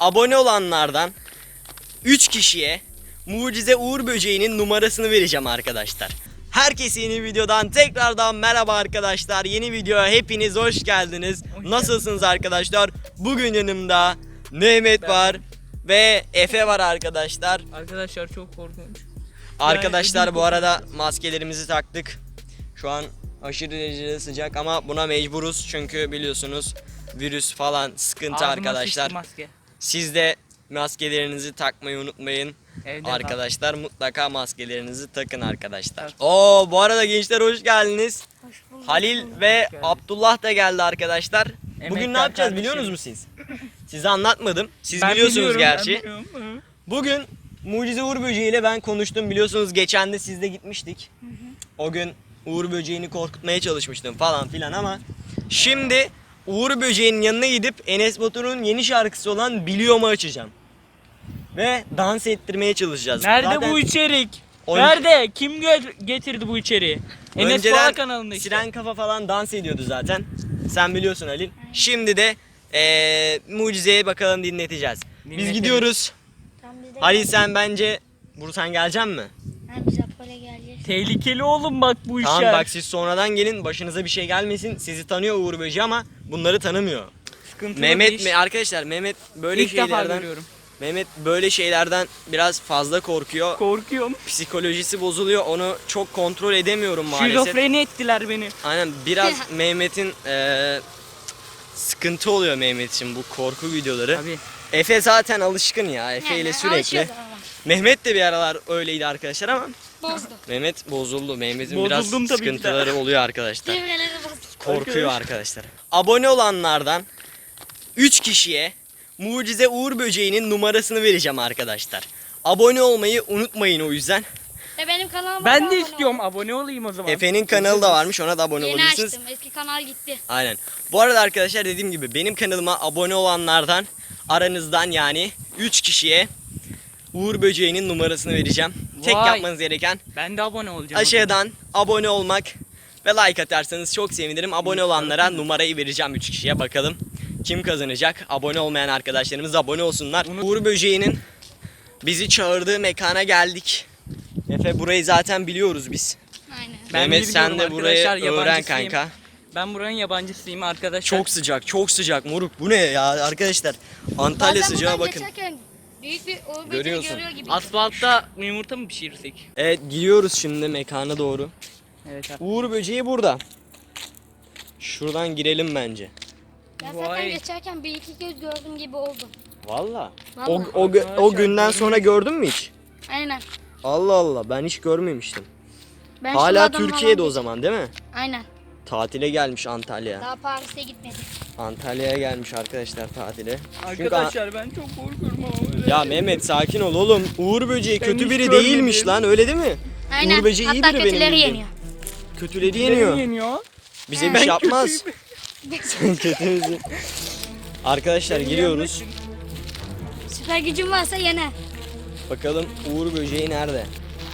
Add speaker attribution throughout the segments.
Speaker 1: abone olanlardan 3 kişiye Mucize Uğur Böceği'nin numarasını vereceğim arkadaşlar. Herkese yeni videodan tekrardan merhaba arkadaşlar. Yeni videoya hepiniz hoş geldiniz. Nasılsınız arkadaşlar? Bugün yanımda Mehmet var ve Efe var arkadaşlar.
Speaker 2: Arkadaşlar çok korkunç.
Speaker 1: Arkadaşlar bu arada maskelerimizi taktık. Şu an aşırı derecede sıcak ama buna mecburuz çünkü biliyorsunuz virüs falan sıkıntı arkadaşlar.
Speaker 2: Maske.
Speaker 1: Siz de maskelerinizi takmayı unutmayın.
Speaker 2: Evde
Speaker 1: arkadaşlar mutlaka maskelerinizi takın arkadaşlar. Evet. Bu arada gençler hoş geldiniz.
Speaker 3: Hoş bulduk.
Speaker 1: Halil ve Abdullah da geldi arkadaşlar. Bugün ne yapacağız
Speaker 2: kardeşim.
Speaker 1: biliyorsunuz mu siz? Size anlatmadım. Siz
Speaker 2: Ben
Speaker 1: biliyorsunuz
Speaker 2: biliyorum,
Speaker 1: gerçi. Bugün Mucize Uğur Böceği ile ben konuştum. Biliyorsunuz geçen de sizle gitmiştik. O gün Uğur Böceği'ni korkutmaya çalışmıştım falan filan ama şimdi Uğur Böceği'nin yanına gidip Enes Batur'un yeni şarkısı olan Biliyor'u açacağım. Ve dans ettirmeye çalışacağız.
Speaker 2: Nerede
Speaker 1: Zaten
Speaker 2: bu içerik? Nerede? Kim getirdi bu içeriği? Enes Bala kanalında işte.
Speaker 1: Siren Kafa falan dans ediyordu zaten. Sen biliyorsun Halil. Şimdi de Mucize'ye bakalım dinleteceğiz. Biz gidiyoruz.
Speaker 3: Tamam, biz de
Speaker 1: Halil sen bence sen geleceksin mi?
Speaker 3: biz Apollo'ya geleceğiz.
Speaker 2: Tehlikeli oğlum bak bu işler.
Speaker 1: Tamam bak siz sonradan gelin, başınıza bir şey gelmesin. Sizi tanıyor Uğur Böceği ama bunları tanımıyor.
Speaker 2: Sıkıntılı
Speaker 1: Mehmet
Speaker 2: iş.
Speaker 1: mi arkadaşlar, Mehmet böyle
Speaker 2: İlk defa
Speaker 1: şeylerden
Speaker 2: görüyorum.
Speaker 1: Mehmet böyle şeylerden biraz fazla korkuyor.
Speaker 2: Korkuyorum.
Speaker 1: Psikolojisi bozuluyor. Onu çok kontrol edemiyorum maalesef.
Speaker 2: Şizofreni ettiler beni.
Speaker 1: Aynen biraz Mehmet'in sıkıntı oluyor Mehmet için bu korku videoları.
Speaker 2: Abi.
Speaker 1: Efe zaten alışkın ya. Efe ile sürekli.
Speaker 3: alışıyoruz ama.
Speaker 1: Mehmet de bir aralar öyleydi arkadaşlar ama
Speaker 3: Bozdu.
Speaker 1: Mehmet bozuldu. Mehmet'in
Speaker 2: Bozuldum
Speaker 1: biraz
Speaker 2: tabii ki de.
Speaker 1: sıkıntıları oluyor arkadaşlar.
Speaker 3: Devreleri bozdu.
Speaker 1: Korkuyor arkadaşlar. Abone olanlardan 3 kişiye Mucize Uğur Böceği'nin numarasını vereceğim arkadaşlar. Abone olmayı unutmayın o yüzden.
Speaker 3: Ve benim kanalıma
Speaker 2: Ben de
Speaker 3: abone
Speaker 2: istiyorum,
Speaker 3: olun.
Speaker 2: abone olayım o zaman.
Speaker 1: Efe'nin kanalı da varmış, ona da abone
Speaker 3: Yeni
Speaker 1: olabilirsiniz.
Speaker 3: açtım. Eski kanal gitti.
Speaker 1: Aynen. Bu arada arkadaşlar dediğim gibi benim kanalıma abone olanlardan aranızdan yani 3 kişiye Uğur Böceği'nin numarasını vereceğim. Tek
Speaker 2: Vay.
Speaker 1: yapmanız gereken
Speaker 2: Ben de abone olacağım.
Speaker 1: aşağıdan abone olmak ve like atarsanız çok sevinirim. Abone olanlara numarayı vereceğim 3 kişiye, bakalım kim kazanacak. Abone olmayan arkadaşlarımız abone olsunlar. Uğur Böceği'nin bizi çağırdığı mekana geldik. Efe burayı zaten biliyoruz biz.
Speaker 3: Aynen.
Speaker 2: Ben
Speaker 1: Mehmet sen
Speaker 2: biliyorum
Speaker 1: de burayı
Speaker 2: arkadaşlar,
Speaker 1: öğren
Speaker 2: yabancısıyım.
Speaker 1: kanka.
Speaker 2: Ben buranın yabancısıyım arkadaşlar.
Speaker 1: Çok sıcak, çok sıcak moruk. Bu ne ya arkadaşlar? Antalya
Speaker 3: Bazen
Speaker 1: sıcağı
Speaker 3: buradan
Speaker 1: bakın.
Speaker 3: geçerken büyük bir Uğur Böceği
Speaker 1: Görüyorsun.
Speaker 3: görüyor gibi.
Speaker 2: Asfaltta yumurta mı pişirirsek?
Speaker 1: Evet gidiyoruz şimdi mekana doğru.
Speaker 2: Evet abi.
Speaker 1: Uğur Böceği burada. Şuradan girelim bence.
Speaker 3: Ya
Speaker 2: Vay.
Speaker 3: zaten geçerken bir iki göz gördüm gibi oldu.
Speaker 1: Valla.
Speaker 3: Vallahi.
Speaker 1: O günden sonra gördün mü hiç?
Speaker 3: Aynen.
Speaker 1: Allah Allah ben hiç görmemiştim.
Speaker 3: Ben
Speaker 1: Hala
Speaker 3: şuradan
Speaker 1: Türkiye'de
Speaker 3: falan
Speaker 1: o zaman değil mi?
Speaker 3: Aynen.
Speaker 1: Tatile gelmiş Antalya.
Speaker 3: Daha Paris'e gitmedi.
Speaker 1: Antalya'ya gelmiş arkadaşlar tatile. Çünkü
Speaker 2: Arkadaşlar ben çok korkuyorum ama öyle.
Speaker 1: ya Mehmet sakin ol oğlum. Uğur Böceği
Speaker 2: Ben
Speaker 1: kötü
Speaker 2: hiç
Speaker 1: biri
Speaker 2: görmedim.
Speaker 1: değilmiş lan, öyle değil mi?
Speaker 3: Aynen.
Speaker 1: Uğur Böceği iyi
Speaker 3: Hatta
Speaker 1: biri benim
Speaker 3: kötüleri
Speaker 1: bildiğim.
Speaker 3: yeniyor.
Speaker 1: Kötüleri
Speaker 2: Yeniyor.
Speaker 1: yeniyor.
Speaker 2: Yeniyor.
Speaker 1: Bize bir
Speaker 3: Ben
Speaker 1: şey yapmaz. Sen kötümüzü. Arkadaşlar giriyoruz.
Speaker 3: Süper gücün varsa yener.
Speaker 1: Bakalım Uğur Böceği nerede?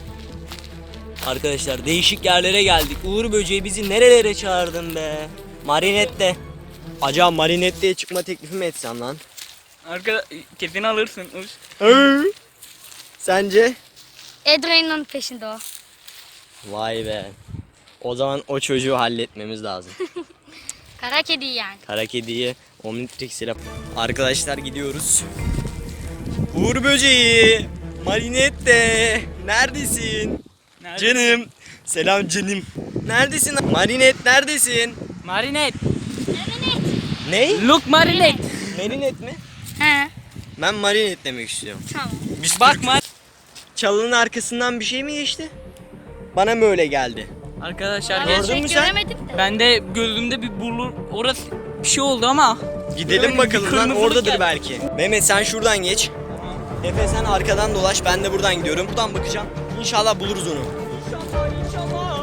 Speaker 1: Arkadaşlar değişik yerlere geldik. Uğur Böceği bizi nerelere çağırdın be? Marinette. Acaba Marinette'ye çıkma teklifi mi etsem lan?
Speaker 2: Kesin alırsın.
Speaker 1: Sence?
Speaker 3: Adrian'ın peşinde o.
Speaker 1: Vay be. O zaman o çocuğu halletmemiz lazım.
Speaker 3: Kara kedi yani.
Speaker 1: Kara kediyi Omnitrix ile. Arkadaşlar gidiyoruz. Uğur Böceği. Marinette. Neredesin?
Speaker 2: Nerede?
Speaker 1: Canım. Selam canım. Neredesin? Marinet neredesin?
Speaker 2: Marinet.
Speaker 1: Ne?
Speaker 2: Look marinet.
Speaker 1: Marinet mi?
Speaker 3: He.
Speaker 1: Ben marinet demek istiyorum.
Speaker 3: Tamam.
Speaker 1: Biz
Speaker 2: Bak
Speaker 1: Türk'üz. Çalının arkasından bir şey mi geçti? Bana mı öyle geldi?
Speaker 2: Arkadaşlar
Speaker 3: Ben
Speaker 1: Gördün
Speaker 3: pek
Speaker 1: mü sen?
Speaker 3: göremedim de.
Speaker 2: ben de gözümde bir bulur orası bir şey oldu ama.
Speaker 1: Gidelim
Speaker 2: Göremedim,
Speaker 1: bakalım
Speaker 2: bir
Speaker 1: lan,
Speaker 2: kırmızılık
Speaker 1: oradadır
Speaker 2: geldi.
Speaker 1: belki. Mehmet sen şuradan geç. Efe sen arkadan dolaş, ben de buradan gidiyorum. Buradan bakacağım. İnşallah buluruz onu.
Speaker 2: İnşallah inşallah.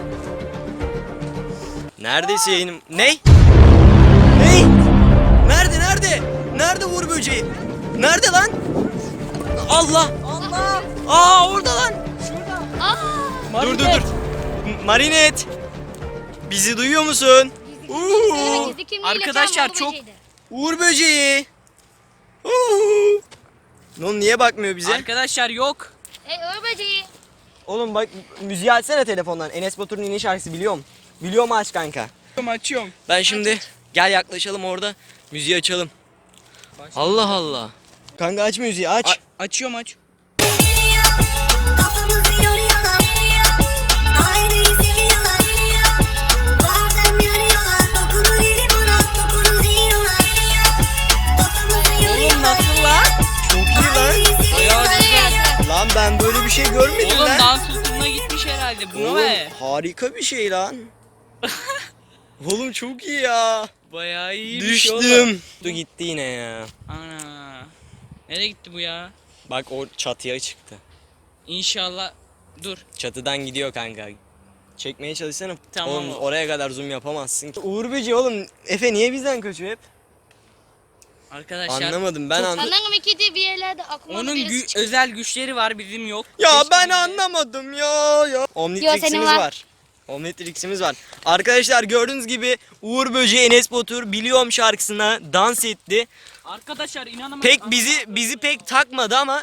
Speaker 1: Neredesin? Ne? Ne? Nerede nerede? Nerede Uğur Böceği? Nerede lan? Allah!
Speaker 2: Allah.
Speaker 1: Orada lan.
Speaker 3: Aa.
Speaker 1: Dur dur dur. Marinet. Bizi duyuyor musun?
Speaker 3: Gizli kimliğiyle
Speaker 2: Arkadaşlar
Speaker 3: çalan Uğur
Speaker 2: çok-
Speaker 3: Böceği'ydi.
Speaker 1: Uğur Böceği. Oğlum niye bakmıyor bize?
Speaker 2: Arkadaşlar yok.
Speaker 3: Uğur böceği.
Speaker 1: Oğlum bak müziği açsana telefondan. Enes Batur'un yeni şarkısı biliyorum. Biliyorum aç kanka.
Speaker 2: Açıyorum.
Speaker 1: Ben şimdi gel yaklaşalım orada müziği açalım. Allah Allah. Kanka aç müziği aç.
Speaker 2: Açıyorum aç.
Speaker 4: Kafamızı yoruyorlar. Aileyi seviyorlar. Bazen yarıyorlar. Dokunur eli bana, dokunur yiyorlar. Kafamızı yoruyorlar.
Speaker 2: Nasıl lan?
Speaker 1: Çok iyi lan.
Speaker 2: Ayağı
Speaker 1: Lan ben böyle bir şey görmedim
Speaker 2: Oğlum
Speaker 1: lan.
Speaker 2: dans okuluna gitmiş herhalde. Bunu
Speaker 1: Oğlum
Speaker 2: be.
Speaker 1: harika bir şey lan. Oğlum çok iyi ya.
Speaker 2: Bayağı iyiymiş
Speaker 1: Düştüm. Dur gitti yine ya.
Speaker 2: Ana. Nereye gitti bu ya?
Speaker 1: Bak o çatıya çıktı.
Speaker 2: İnşallah. Dur.
Speaker 1: Çatıdan gidiyor kanka. Çekmeye çalışsana.
Speaker 2: Tamam
Speaker 1: Oğlum
Speaker 2: o.
Speaker 1: oraya kadar zoom yapamazsın. Uğur Böceği oğlum. Efe niye bizden kaçıyor hep?
Speaker 2: Arkadaşlar.
Speaker 1: Anlamadım ben anlamadım.
Speaker 3: Sanırım iki bir yerlerde aklıma
Speaker 2: Onun
Speaker 3: birisi çıktı.
Speaker 2: özel güçleri var, bizim yok.
Speaker 1: Ya
Speaker 2: Keşke
Speaker 1: ben
Speaker 2: bize-
Speaker 1: anlamadım ya. Omnitrix'imiz
Speaker 3: senin var.
Speaker 1: var. Omnitrix'imiz var. Arkadaşlar gördüğünüz gibi Uğur Böceği Enes Batur Biliyorum şarkısına dans etti.
Speaker 2: Arkadaşlar inanamıyorum.
Speaker 1: Pek bizi pek takmadı ama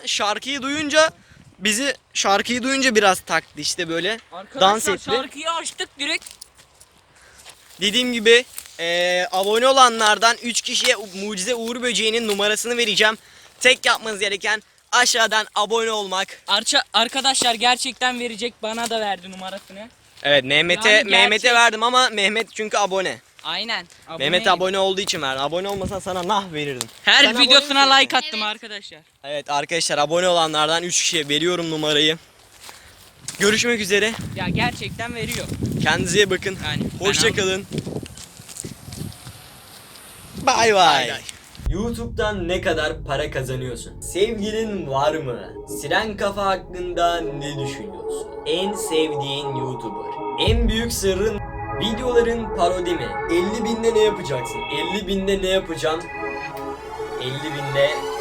Speaker 1: şarkıyı duyunca biraz taktı işte böyle.
Speaker 2: Arkadaşlar
Speaker 1: dans etti.
Speaker 2: şarkıyı açtık direkt.
Speaker 1: Dediğim gibi abone olanlardan 3 kişiye Mucize Uğur Böceği'nin numarasını vereceğim. Tek yapmanız gereken aşağıdan abone olmak.
Speaker 2: Arkadaşlar gerçekten verecek, bana da verdi numarasını.
Speaker 1: Evet
Speaker 2: Yani
Speaker 1: Mehmet'e
Speaker 2: gerçek.
Speaker 1: verdim ama Mehmet çünkü abone.
Speaker 2: Aynen.
Speaker 1: Mehmet abone olduğu için verdim. Abone olmasan sana nah verirdim.
Speaker 2: Her
Speaker 1: Sen
Speaker 2: videosuna
Speaker 1: abone
Speaker 2: like attım
Speaker 3: Evet.
Speaker 2: arkadaşlar.
Speaker 1: Evet arkadaşlar abone olanlardan 3 kişiye veriyorum numarayı. Görüşmek üzere.
Speaker 2: Ya gerçekten veriyor.
Speaker 1: Kendinize iyi bakın.
Speaker 2: Yani ben
Speaker 1: Hoşça kalın. Bay bay. YouTube'dan ne kadar para kazanıyorsun? Sevgilin var mı? Siren Kafa hakkında ne düşünüyorsun? En sevdiğin YouTuber? En büyük sırrın videoların parodi mi? 50 binde ne yapacaksın? 50 binde ne yapacağım? 50 binde